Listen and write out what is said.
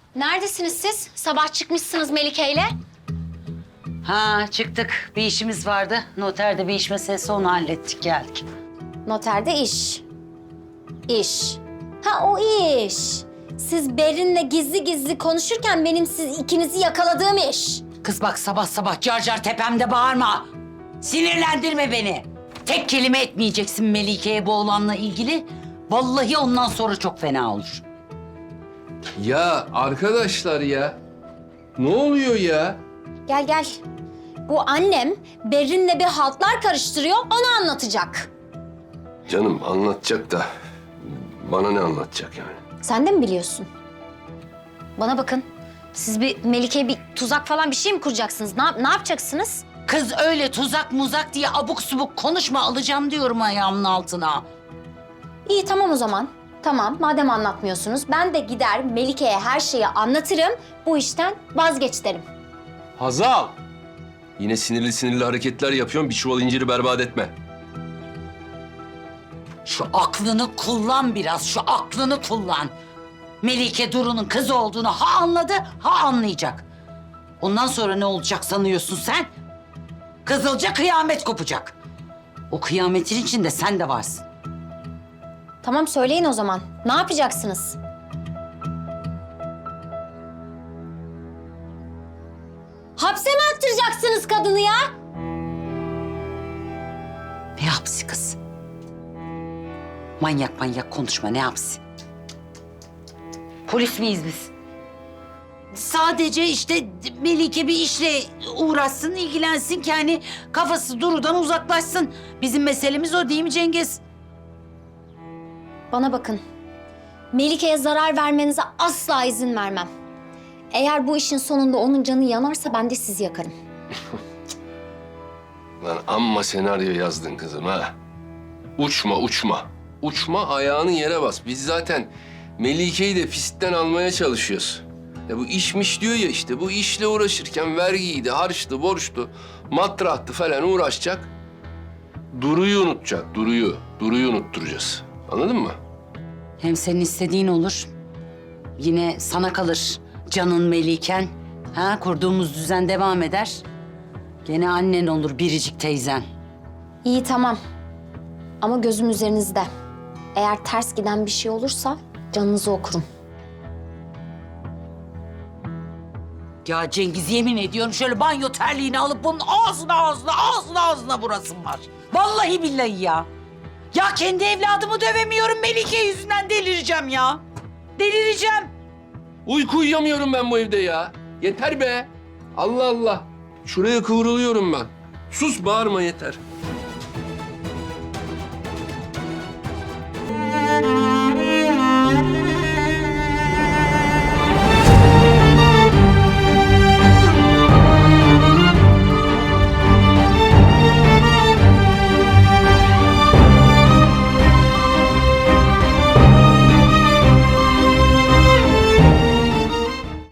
Neredesiniz siz? Sabah çıkmışsınız Melike'yle. Ha çıktık. Bir işimiz vardı. Noterde bir iş meselesi, onu hallettik geldik. Noterde iş. İş. Ha o iş. Siz Berin'le gizli gizli konuşurken benim siz ikinizi yakaladığım iş. Kız bak sabah sabah car car tepemde bağırma. Sinirlendirme beni. Tek kelime etmeyeceksin Melike'ye bu olanla ilgili. Vallahi ondan sonra çok fena olur. Ya arkadaşlar ya. Ne oluyor ya? Gel gel. Bu annem Berin'le bir haltlar karıştırıyor, onu anlatacak. Canım anlatacak da bana ne anlatacak yani? Sen de mi biliyorsun? Bana bakın. Siz bir Melike'ye bir tuzak falan bir şey mi kuracaksınız? Ne yapacaksınız? Kız öyle tuzak muzak diye abuk subuk konuşma, alacağım diyorum ayağımın altına. İyi tamam o zaman. Tamam madem anlatmıyorsunuz ben de gider Melike'ye her şeyi anlatırım. Bu işten vazgeç derim. Hazal! Yine sinirli sinirli hareketler yapıyorsun. Bir çuval inciri berbat etme. Şu aklını kullan biraz, şu aklını kullan. Melike Duru'nun kızı olduğunu ha anladı, ha anlayacak. Ondan sonra ne olacak sanıyorsun sen? Kızılca kıyamet kopacak. O kıyametin içinde sen de varsın. Tamam söyleyin o zaman. Ne yapacaksınız? Hapse mi attıracaksınız kadını ya? Ne hapsi kız? Manyak manyak konuşma, ne hapsi? Polis miyiz biz? Sadece işte Melike bir işle uğraşsın, ilgilensin ki hani kafası Duru'dan uzaklaşsın. Bizim meselemiz o değil mi Cengiz? Bana bakın. Melike'ye zarar vermenize asla izin vermem. Eğer bu işin sonunda onun canı yanarsa ben de sizi yakarım. Lan amma senaryo yazdın kızım ha. Uçma uçma. Uçma ayağını yere bas. Biz zaten Melike'yi de pistten almaya çalışıyoruz. Ya bu işmiş diyor ya işte. Bu işle uğraşırken vergiydi, harçtı, borçtu, matrahtı falan uğraşacak. Duru'yu unutacak, Duru'yu. Duru'yu unutturacağız. Anladın mı? Hem senin istediğin olur. Yine sana kalır canın Meliken. Ha, kurduğumuz düzen devam eder. Gene annen olur biricik teyzen. İyi tamam. Ama gözüm üzerinizde. Eğer ters giden bir şey olursa canınızı okurum. Ya Cengiz yemin ediyorum şöyle banyo terliğini alıp bunun ağzına vurasım var. Vallahi billahi ya. Ya kendi evladımı dövemiyorum Melike yüzünden, delireceğim ya. Delireceğim. Uyku uyuyamıyorum ben bu evde ya. Yeter be. Allah Allah. Şuraya kıvrılıyorum ben. Sus bağırma yeter.